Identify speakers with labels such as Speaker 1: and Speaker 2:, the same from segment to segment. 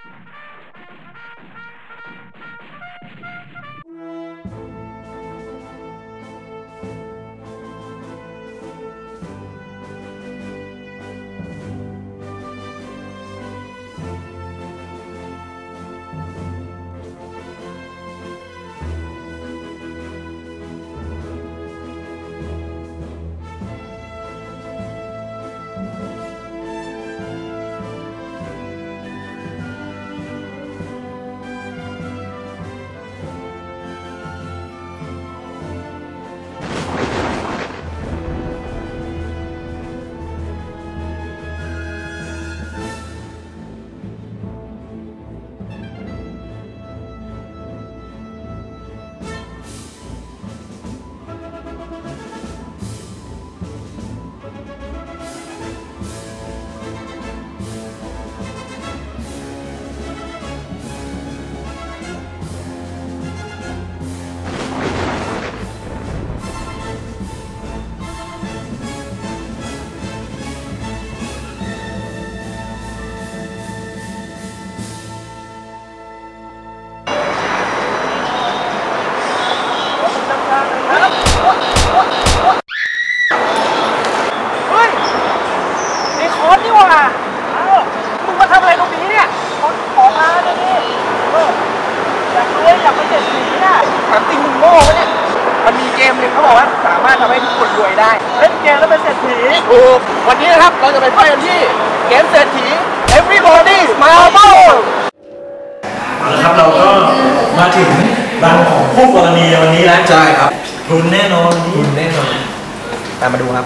Speaker 1: วันนี้นะครับเราจะไปไฟกันที่เกมเศรษฐี Everybody Marble
Speaker 2: ครับเราก็มาถึงร้านของคู่กรณีวันนี้แล้วใช่ครับทุนแน่นอนทุนแน่นอนตามมาดูครับ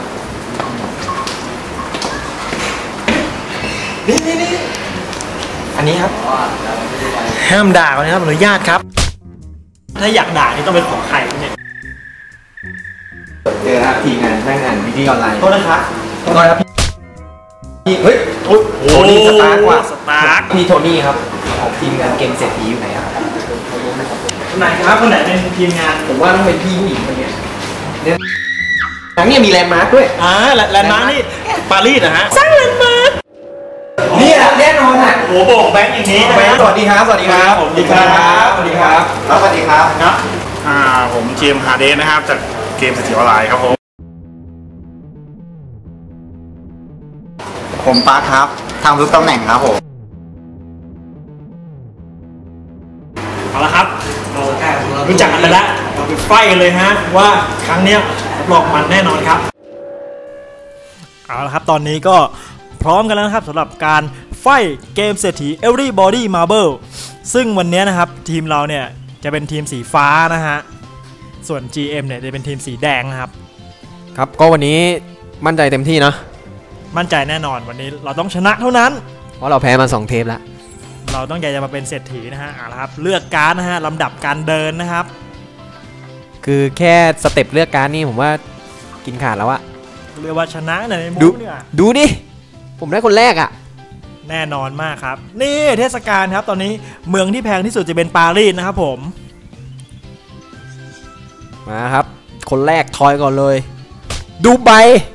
Speaker 2: นี่อันนี้ครับห้ามด่านะครับอนุญาตครับถ้าอยากด่านี่ต้องเป็นของใครเนี่ย
Speaker 1: เจอครับทีมงานนั่งงานวิดีโอออนไลน์
Speaker 2: โทษนะครับ
Speaker 1: โทษครับพี่เฮ้ยโทนี่สตาร์กว่า
Speaker 2: สตาร์ก
Speaker 1: พี่โทนี่ครับของทีมงานเกมเศรษฐีอยู่ไหนครับ
Speaker 2: ไหนครับคนไหนเป็นทีมงาน
Speaker 1: ผมว่าต้องเป็นพี่ผู้หญิงคนนี้เนี่ยหลังเนี่ยมีแลนด์มาร์คด้วย
Speaker 2: แลนด์มาร์คนี่ปารีสนะฮะสร้างแลนด์มาร์ค
Speaker 1: นี่แน่นอนอ่ะ
Speaker 2: โอ้โหแบงค์อย่างนี้
Speaker 1: แบงค์สวัสดีครับสวัสดีครับ
Speaker 2: สวัสดีครับ
Speaker 1: สวัสดีครับสวัสดีครับ
Speaker 2: ครับผมเจมส์ฮาร์เดนนะครับจากเกมเศรษฐีออนไลน์ครับ
Speaker 3: ผมปาร์คครับทำทุกตำแหน่งครับผม
Speaker 2: เอาละครับเรารู้จักกันไปแล้วเราไปไฟกันเลยฮะว่าครั้งนี้รับรองมันแน่นอนครับเอาละครับตอนนี้ก็พร้อมกันแล้วนะครับสำหรับการไฟเกมเศรษฐี Everybody Marble ซึ่งวันนี้นะครับทีมเราเนี่ยจะเป็นทีมสีฟ้านะฮะส่วน GM เนี่ยจะเป็นทีมสีแดงนะครับ
Speaker 1: ครับก็วันนี้มั่นใจเต็มที่เนาะ
Speaker 2: มั่นใจแน่นอนวันนี้เราต้องชนะเท่านั้น
Speaker 1: เพราะเราแพ้มา2 เทปแล้ว
Speaker 2: เราต้องอยากจะมาเป็นเศรษฐีนะฮะเอาละครับเลือกการ์ดนะฮะลำดับการเดินนะครับ
Speaker 1: คือแค่สเต็ปเลือกการ์ดนี่ผมว่ากินขาดแล้วอะ
Speaker 2: เรียกว่าชนะในมุมเนี่ย
Speaker 1: ดูดิผมได้คนแรกอะ
Speaker 2: แน่นอนมากครับนี่เทศกาลครับตอนนี้เมืองที่แพงที่สุดจะเป็นปารีสนะครับผม
Speaker 1: มาครับคนแรกทอยก่อนเลยดูใบ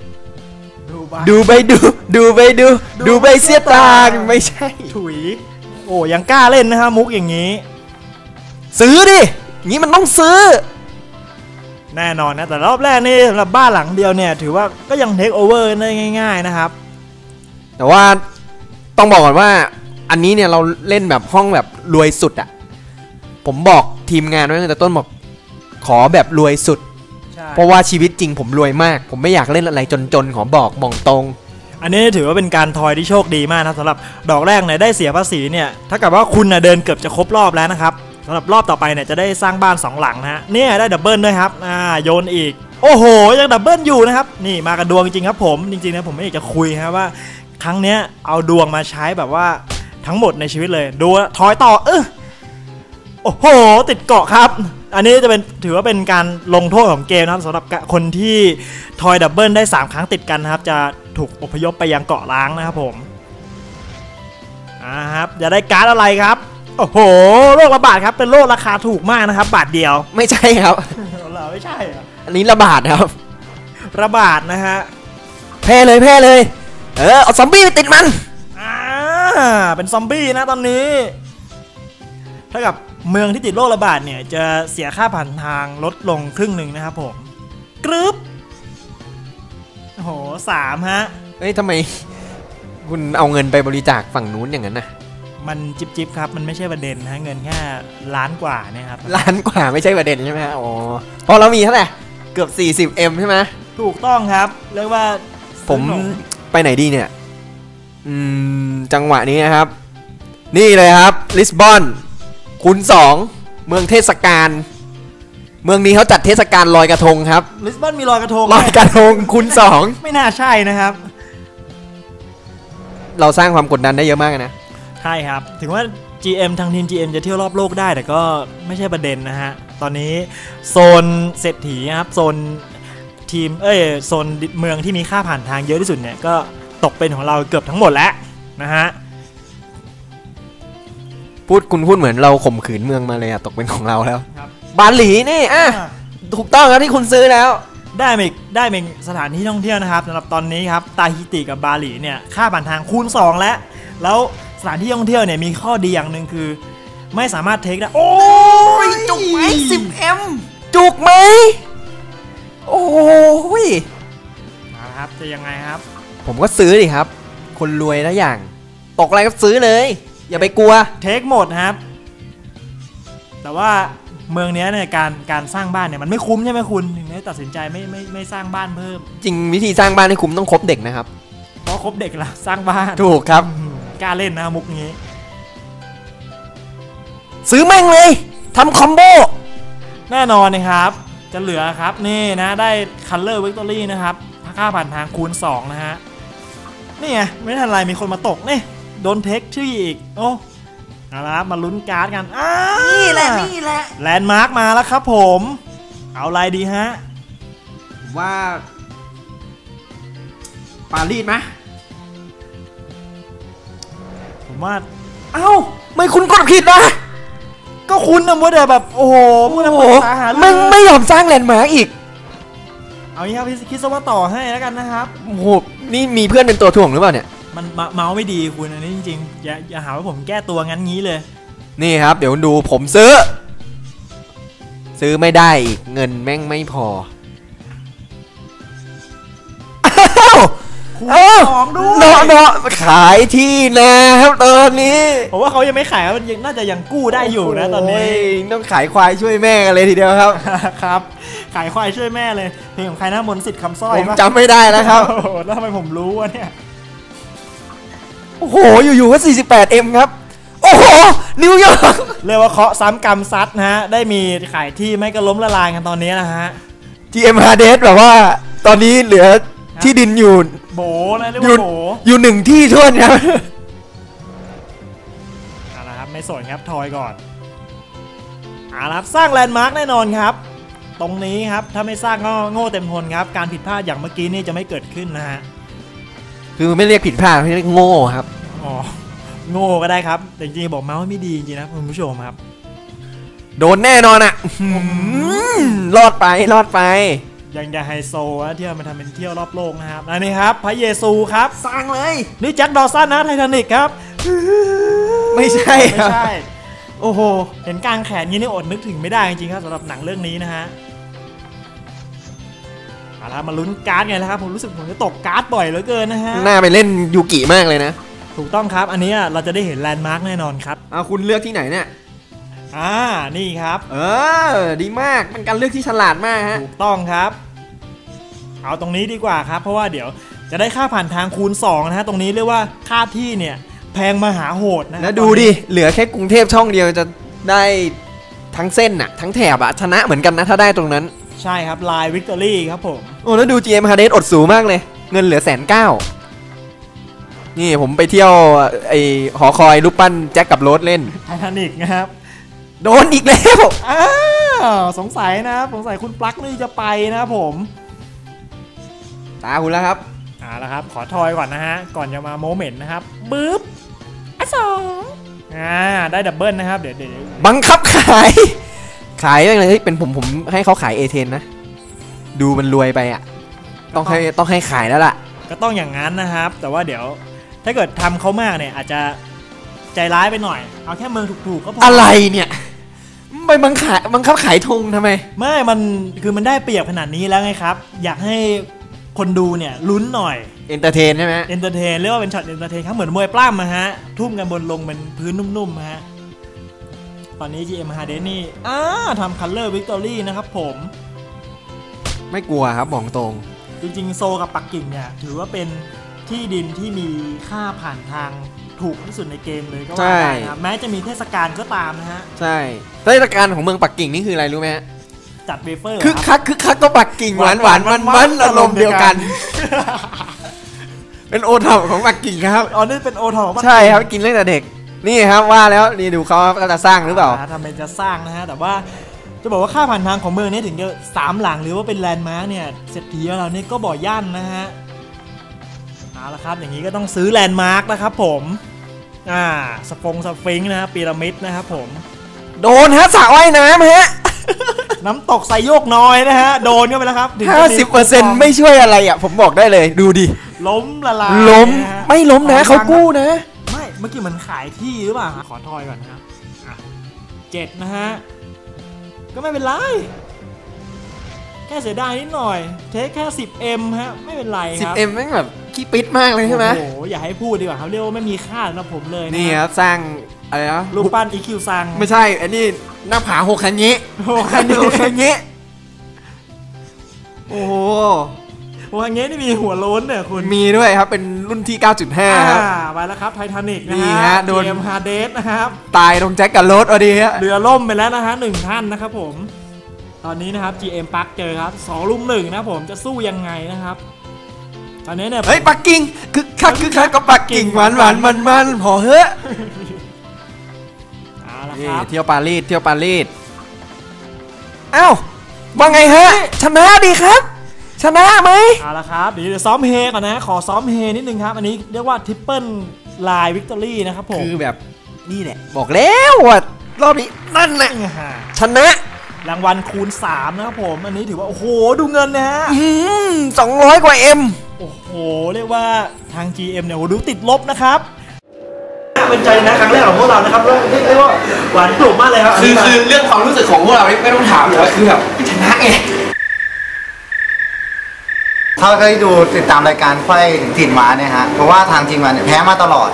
Speaker 1: เสียตางไม่ใช่
Speaker 2: ถุยโอ้ยังกล้าเล่นนะฮะมุกอย่างนี้
Speaker 1: ซื้อดิงี้มันต้องซื้อ
Speaker 2: แน่นอนนะแต่รอบแรกนี่สำหรับบ้านหลังเดียวเนี่ยถือว่าก็ยังเทคโอเวอร์ได้ง่ายๆนะครับ
Speaker 1: แต่ว่าต้องบอกก่อนว่าอันนี้เนี่ยเราเล่นแบบห้องแบบรวยสุดอะผมบอกทีมงานไว้ตั้งแต่ต้นบอกขอแบบรวยสุดเพราะว่าชีวิตจริงผมรวยมากผมไม่อยากเล่นอะไรจนๆขอบอกมองตรง
Speaker 2: อันนี้ถือว่าเป็นการทอยที่โชคดีมากนะสำหรับดอกแรกเนี่ยได้เสียภาษีเนี่ยถ้าเกิดว่าคุณเดินเกือบจะครบรอบแล้วนะครับสำหรับรอบต่อไปเนี่ยจะได้สร้างบ้าน2 หลังนะฮะเนี่ยได้ดับเบิลด้วยครับโยนอีกโอ้โหยังดับเบิลอยู่นะครับนี่มากันดวงจริงครับผมจริงๆนะผมไม่อยากจะคุยครับว่าครั้งเนี้ยเอาดวงมาใช้แบบว่าทั้งหมดในชีวิตเลยดูทอยต่อโอ้โหติดเกาะครับอันนี้จะเป็นถือว่าเป็นการลงโทษของเกมนะครับสำหรับคนที่ทอยดับเบิลได้3 ครั้งติดกันนะครับจะถูกอพยพไปยังเกาะล้างนะครับผมครับจะได้การ์ดอะไรครับโอ้โหโรคระบาดครับเป็นโรคราคาถูกมากนะครับบาทเดียว
Speaker 1: ไม่ใช่ครับ
Speaker 2: เราไม่ใช่
Speaker 1: อันนี้ระบาดครับ
Speaker 2: ระบาดนะฮะ
Speaker 1: แพ้เลยเอาซอมบี้ไปติดมัน
Speaker 2: เป็นซอมบี้นะตอนนี้เท่ากับเมืองที่ติดโรคระบาดเนี่ยจะเสียค่าผ่านทางลดลงครึ่งหนึ่งนะครับผมกรึ๊บโอ้โห3ฮะ
Speaker 1: เฮ้ยทำไมคุณเอาเงินไปบริจาคฝั่งนู้นอย่างนั้นน่ะ
Speaker 2: มันจิบครับมันไม่ใช่ประเด็นนะเงินแค่ล้านกว่าเนี่ยครับ
Speaker 1: ล้านกว่าไม่ใช่ประเด็นใช่ไหมอ๋อเพราะเรามีเท่าไหร่เกือบ 40M ใช่ไหม
Speaker 2: ถูกต้องครับเรียกว่า
Speaker 1: ผมไปไหนดีเนี่ยจังหวะนี้นะครับนี่เลยครับลิสบอนคูณ2เมืองเทศกาลเมืองนี้เขาจัดเทศกาลลอยกระทงครับ
Speaker 2: ลิสบอนมีลอยกระทง
Speaker 1: คูณ2
Speaker 2: ไม่น่าใช่นะครับ
Speaker 1: เราสร้างความกดดันได้เยอะมากนะ
Speaker 2: ใช่ครับถึงว่า GM ทางทีม GM จะเที่ยวรอบโลกได้แต่ก็ไม่ใช่ประเด็นนะฮะตอนนี้โซนเศรษฐีครับโซนทีมโซนเมืองที่มีค่าผ่านทางเยอะที่สุดเนี่ยก็ตกเป็นของเราเกือบทั้งหมดแล้วนะฮะ
Speaker 1: คุณพูดเหมือนเราข่มขืนเมืองมาเลยอะตกเป็นของเราแล้วบาหลีนี่ถูกต้องครับที่คุณซื้อแล้ว
Speaker 2: ได้เป็นสถานที่ท่องเที่ยวนะครับสำหรับตอนนี้ครับตาฮิติกับบาหลีเนี่ยค่าผ่านทางคูณ2แล้วสถานที่ท่องเที่ยวเนี่ยมีข้อดีอย่างหนึ่งคือไม่สามารถเทคได้โอ้ย
Speaker 1: จุกไหม 10M จุกไหมโอ้ย
Speaker 2: นะครับจะยังไงครับ
Speaker 1: ผมก็ซื้อดิครับคนรวยแล้วอย่างตกอะไรก็ซื้อเลยอย่าไปกลัว
Speaker 2: เทคหมดครับแต่ว่าเมืองนี้เนี่ยการสร้างบ้านเนี่ยมันไม่คุ้มใช่ไหมคุณถึงได้ตัดสินใจไม่สร้างบ้านเพิ่ม
Speaker 1: จริงวิธีสร้างบ้านให้คุ้มต้องคบเด็กนะครับ
Speaker 2: เพราะคบเด็กละสร้างบ้าน
Speaker 1: ถูกครับ
Speaker 2: กล้าเล่นนะมุกนี้
Speaker 1: ซื้อแม่งเลยทำคอมโบ
Speaker 2: แน่นอนนะครับจะเหลือครับนี่นะได้ Color Victory นะครับค่าผ่านทางคูณ2นะฮะนี่ไงไม่ทันไรมีคนมาตกนี่โดนเทคชื่ออีกโอ้เอาละมาลุ้นการ์ดกัน
Speaker 1: นี่แหละ
Speaker 2: แลนด์มาร์กมาแล้วครับผมเอาอะไรดีฮะ
Speaker 1: ว่าปารีสไหม
Speaker 2: ผมว่า
Speaker 1: ไม่คุณกดผิดนะ
Speaker 2: ก็คุณนะมัวแต่แบบโอ้โหมัวแต่ปรึกษาหา
Speaker 1: ไม่ยอมสร้างแลนด์มาร์กอีก
Speaker 2: เอางี้ครับพี่คิดซะว่าต่อให้แล้วกันนะครับ
Speaker 1: โอ้โหนี่มีเพื่อนเป็นตัวถ่วงหรือเปล่าเนี่ย
Speaker 2: มันเมาส์ไม่ดีคุณอันนี้จริงๆอย่าหาว่าผมแก้ตัวงั้นงี้เลย
Speaker 1: นี่ครับเดี๋ยวดูผมซื้อไม่ได้อีกเงินแม่งไม่พอ
Speaker 2: ของด้ว
Speaker 1: ยเนาะขายที่นะครับตอนนี้
Speaker 2: ผมว่าเขายังไม่ขายมันน่าจะยังกู้ได้อยู่นะตอนนี้
Speaker 1: ต้องขายควายช่วยแม่กันเลยทีเดียวครับ
Speaker 2: ครับขายควายช่วยแม่เลยเพลงของใครนะมนต์สิทธิ์คำสร้อย
Speaker 1: ผมจำไม่ได้แล้วครับ
Speaker 2: แล้วทำไมผมรู้วะเนี่ย
Speaker 1: โอ้โหอยู่ๆก็ 48M ครับโอ้โหนิวยอร์ก
Speaker 2: เรียกว่าเคาะซ้ำกรรมซัดนะฮะได้มีขายที่ไม่ก็ล้มละลายกันตอนนี้นะฮะ
Speaker 1: GM Hades แบบว่าตอนนี้เหลือที่ดินอยู่
Speaker 2: โบนะเรียกว่าโบ
Speaker 1: อยู่1ที่ท่วนครับ
Speaker 2: เอาละครับไม่สนครับทอยก่อนเอาละครับสร้างแลนด์มาร์กแน่นอนครับตรงนี้ครับถ้าไม่สร้างก็โง่เต็มทนครับการผิดพลาดอย่างเมื่อกี้นี่จะไม่เกิดขึ้นนะฮะ
Speaker 1: คือไม่เรียกผิดพลาดเรียกโง่ครับ
Speaker 2: อ๋อโง่ก็ได้ครับแต่จริงๆบอกเมาส์ไม่ดีจริงๆนะคุณผู้ชมครับ
Speaker 1: โดนแน่นอนอ่ะรอดไป
Speaker 2: ยังจะไฮโซนะเที่ยวมันทำเป็นเที่ยวรอบโลกนะครับอันนี้ครับพระเยซูครับ
Speaker 1: สร้างเลย
Speaker 2: นี่แจ็คดอสันนะไททานิกครับ
Speaker 1: ไม่ใช่
Speaker 2: โอ้โหเห็นกลางแขนงี้นี่อดนึกถึงไม่ได้จริงๆครับสำหรับหนังเรื่องนี้นะฮะเอาละมาลุ้นการ์ดไงนะครับผมรู้สึกผมจะตกการ์ดบ่อยเหลือเกินนะฮะ
Speaker 1: น่าไปเล่นยูกิมากเลยนะ
Speaker 2: ถูกต้องครับอันนี้เราจะได้เห็นแลนด์มาร์กแน่นอนครับ
Speaker 1: คุณเลือกที่ไหนเนี่ย
Speaker 2: นี่ครับ
Speaker 1: ดีมากเป็นการเลือกที่ฉลาดมากฮะ
Speaker 2: ถูกต้องครับเอาตรงนี้ดีกว่าครับเพราะว่าเดี๋ยวจะได้ค่าผ่านทางคูณ2นะฮะตรงนี้เรียกว่าค่าที่เนี่ยแพงมหาโหดนะ
Speaker 1: แล้วดูดิเหลือแค่กรุงเทพช่องเดียวจะได้ทั้งเส้นน่ะทั้งแถบชนะเหมือนกันนะถ้าได้ตรงนั้น
Speaker 2: ใช่ครับลายวิกตอรี่ครับผม
Speaker 1: แล้วดู GM Hades อดสูงมากเลยเงินเหลือ190,000นี่ผมไปเที่ยวไอหอคอยรูปปั้นแจ็คกับโรสเล่น
Speaker 2: ไททานิกนะครับ
Speaker 1: โดนอีกแล้ว
Speaker 2: สงสัยคุณปลั๊กนี่จะไปนะครับผม
Speaker 1: ตาคุณแล้วครับ
Speaker 2: แล้วครับขอทอยก่อนนะฮะก่อนจะมาโมเมนต์นะครับบึ๊บ2ได้ดับเบิลนะครับเดี๋ยว
Speaker 1: บังคับขายอะไรเป็นผมให้เขาขายA10นะดูมันรวยไปอ่ะต้องให้ขายแล้วล่ะ
Speaker 2: ก็ต้องอย่างนั้นนะครับแต่ว่าเดี๋ยวถ้าเกิดทำเขามากเนี่ยอาจจะใจร้ายไปหน่อยเอาแค่เมืองถูกๆก็พอ
Speaker 1: อะไรเนี่ยไปบังคับขายธงทำไม
Speaker 2: ไม่มันคือมันได้เปรียบขนาดนี้แล้วไงครับอยากให้คนดูเนี่ยลุ้นหน่อย
Speaker 1: เอนเตอร์เทนใช่ไหม
Speaker 2: เอนเตอร์เทนเรียกว่าเป็นช็อตเอนเตอร์เทนครับเหมือนมวยปล้ำนะฮะทุ่มกันบนลงเป็นพื้นนุ่มๆฮะตอนนี้ GM Hades นี่ทำ Color Victory นะครับผม
Speaker 1: ไม่กลัวครับบอกตรง
Speaker 2: จริงๆโซกับปักกิ่งเนี่ยถือว่าเป็นที่ดินที่มีค่าผ่านทางถูกที่สุดในเกมเลยก็ว่าได้นะแม้จะมีเทศกาลก็ตามนะฮะ
Speaker 1: ใช่เทศกาลของเมืองปักกิ่งนี่คืออะไรรู้ไหมฮะ
Speaker 2: จัดเวเฟอร์
Speaker 1: คึกคักก็ปักกิ่งหวานมันอารมณ์เดียวกันเป็นโอท็อปของปักกิ่งครับ
Speaker 2: อ๋อนี่เป็นโอท็อป
Speaker 1: ใช่ครับกินตั้งแต่เด็กนี่ครับว่าแล้วนี่ดูเขาจะสร้างหรือเปล่า
Speaker 2: ทำเป็นจะสร้างนะฮะแต่ว่าจะบอกว่าค่าผ่านทางของเมืองนี้ถึงจะ3 หลังหรือว่าเป็นแลนด์มาร์กเนี่ยเศรษฐีเราเนี่ยก็บ่อย่านนะฮะเอาละครับอย่างนี้ก็ต้องซื้อแลนด์มาร์กนะครับผมสฟิงค์นะพีระมิดนะครับผม
Speaker 1: โดนฮะสระว่ายน้ำฮะ
Speaker 2: น้ำตกไซโยกน้อยนะฮะโดนเข้าไปแล้วครับ
Speaker 1: 50%ไม่ช่วยอะไรอ่ะผมบอกได้เลยดูดิ
Speaker 2: ล้มละลาย
Speaker 1: ไม่ล้มนะเขากู้นะ
Speaker 2: ไม่เมื่อกี้มันขายที่หรือเปล่าขอทอยก่อนนะครับ7นะฮะก็ไม่เป็นไรแค่เสียดายนิดหน่อยเทคแค่ 10M ฮะไม่เป็นไรครับ
Speaker 1: 10M แม่งแบบขี้ปิดมากเลยใช่ไหม
Speaker 2: โอ้โหอย่าให้พูดดีกว่าครับเรียกว่าไม่มีค่าสำหรับผมเลย
Speaker 1: นี่ครับสร้างอะไรนะ
Speaker 2: รูปปั้น EQ ซัง
Speaker 1: ไม่ใช่อันนี้หน้าผาโฮคันเงะโฮคันเงะโอ้โห
Speaker 2: โฮคันเงะนี่มีหัวโล้นเนี่ยคุณ
Speaker 1: มีด้วยครับเป็นรุ่นที่ 9.5 ครับ
Speaker 2: ไปแล้วครับไททานิกนะฮะโดนฮาเดสนะครับ
Speaker 1: ตายตรงแจ็คกับโรสพอดีฮะ
Speaker 2: เรือล่มไปแล้วนะฮะ1 ท่านนะครับผมตอนนี้นะครับ GM ปักเจอครับ2 ลุม 1นะผมจะสู้ยังไงนะครับตอนนี้เนี่ย
Speaker 1: เฮ้ยปักกิ่งคึกคักก็ปักกิ่งหวานมันพอเฮ้ยนี่เที่ยวปารีสอ้าวว่าไงฮะชนะดีครับชนะไหม
Speaker 2: เอาละครับเดี๋ยวซ้อมเฮก่อนนะขอซ้อมเฮนิดนึงครับอันนี้เรียกว่าทริปเปิลไลน์วิกตอรี่นะครับผม
Speaker 1: คือแบบนี่แหละบอกแล้วว่ารอบนี้นั่นแหละชนะ
Speaker 2: รางวัลคูณ3นะครับผมอันนี้ถือว่าโอ้โหดูเงินนะฮะ
Speaker 1: 200 กว่า M
Speaker 2: โอ้โหเรียกว่าทาง GM เนี่ยดูติดลบนะครับเป็นใจนะครั้งแรกของพวกเรานะครับเรียกว่าหวานกลุ่มมากเลยครับ
Speaker 1: คือเรื่องความรู้สึกของพวกเราไม่ต้องถามเลยคือแบบชนะไง
Speaker 3: ถ้าเคยดูติดตามรายการไฟถิ่นม้าเนี่ยฮะเพราะว่าทางทีมงานเนี่ยแพ้มาตลอด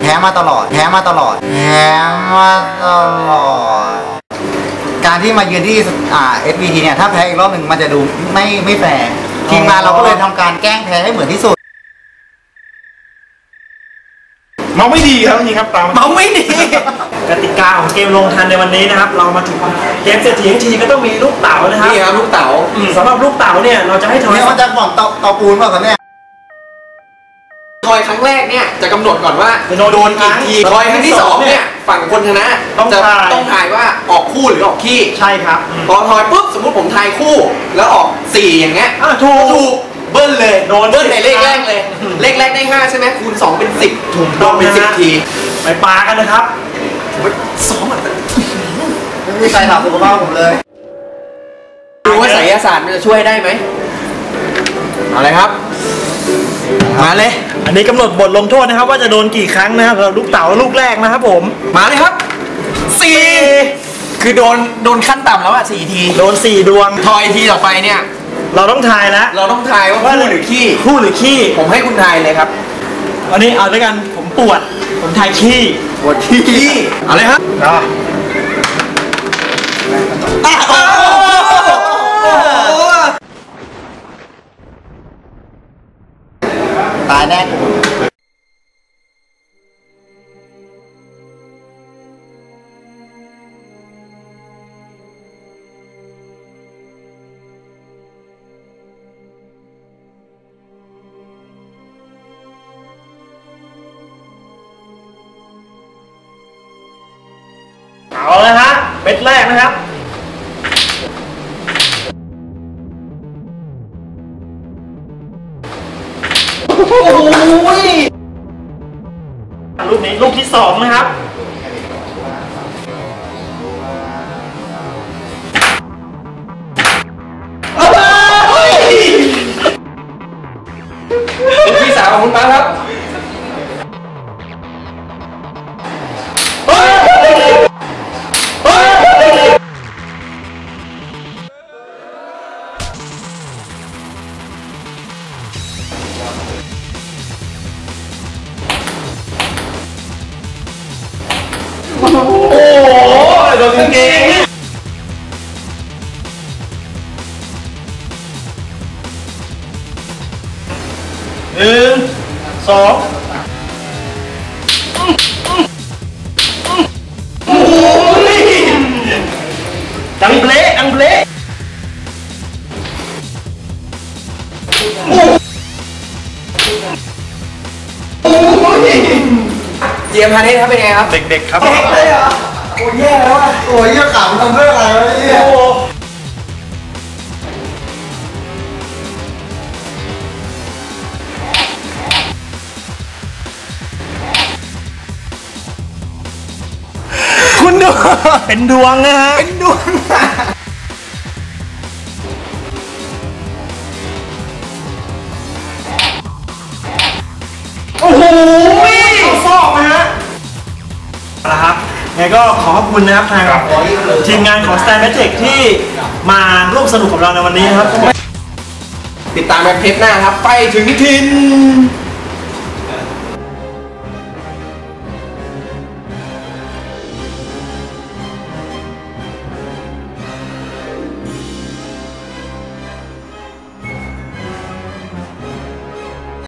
Speaker 3: การที่มายืนที่SBT เนี่ยถ้าแพ้อีกรอบหนึ่งมันจะดูไม่แฟร์ทีมงานเราก็เลยทำการแกล้งแพ้ให้เหมือนที่สุด
Speaker 2: เมาไม่ดีครับนี่ครับ
Speaker 1: เมาไม่ดี
Speaker 2: กติกาของเกมลงทันในวันนี้นะครับเรามาถึงเกมเศรษฐีทั้งทีก็ต้องมีลูกเต๋านะครับ
Speaker 1: นี่ครับลูกเต๋า
Speaker 2: สำหรับลูกเต๋าเนี่ยเราจะให้ทอย
Speaker 3: มันจะบอกเตาปูนเปล่าครับเนี่ย
Speaker 1: ทอยครั้งแรกเนี่ยจะกำหนดก่อนว่าโดนกี่ทีทอยครั้งที่2เนี่ยฝั่งคนชนะต้องทายว่าออกคู่หรือออกขี้
Speaker 2: ใช่ครับ
Speaker 1: พอทอยปุ๊บสมมุติผมทายคู่แล้วออก4อย่างเงี้ย
Speaker 2: ถูก
Speaker 1: เบิ้ลเลยโดนเบิ้ลในเลขแรกเลยเลขแรกได้5ใช่ไหมคูณ2เป็น10ถูกโดนเป็น10ที
Speaker 2: ไปปากันนะครับ
Speaker 1: ซ้อมอ่ะ
Speaker 3: ไม่มีใครถามสุขภาพผมเลย
Speaker 1: ดูว่าไสยศาสตร์มันจะช่วยได้ไหมเอาเลยครับมาเลย
Speaker 2: อันนี้กำหนดบทลงโทษนะครับว่าจะโดนกี่ครั้งนะครับสำหรับลูกเต๋าลูกแรกนะครับผม
Speaker 1: มาเลยครับ4คือโดนขั้นต่ำแล้วอ่ะ4ที
Speaker 2: โดน4 ดวง
Speaker 1: ทอยทีต่อไปเนี่ย
Speaker 2: เราต้องทายแล้ว
Speaker 1: เราต้องทายว่าคู่หรือขี้ผมให้คุณทายเลยครับ
Speaker 2: วันนี้เอาด้วยกันผมปวดผมทายขี้
Speaker 1: ปวดขี้เอาเลยครับ
Speaker 3: ตายแน่
Speaker 2: เอาเลยฮะเม็ดแรกนะครับโอ้ยลูกนี้ลูกที่2นะครับ
Speaker 1: ลูกที่3ของคุณมาครับ
Speaker 4: กางเกงเนี่ย1 2โอ้ยดังเบลดังเบล
Speaker 1: เจียมพาณิชย์ครับเป็นไงครับ
Speaker 4: เด็กๆครับ
Speaker 3: โอ้ยแย่แล้วอ่ะโอ้ยขำทำเพื่ออะไรวะเนี่ย
Speaker 2: คุณดู เป็นดวงนะฮะ
Speaker 1: เป็นดวง
Speaker 2: โอ้โหเข้าซอกนะฮะเอาละครับไงก็ขอขอบคุณนะครับทางทีมงานของ Stan Magic ที่มาร่วมสนุกกับเราในวันนี้นะครับ
Speaker 1: ติดตามแบบเทปหน้าครับ ไปถึงทิน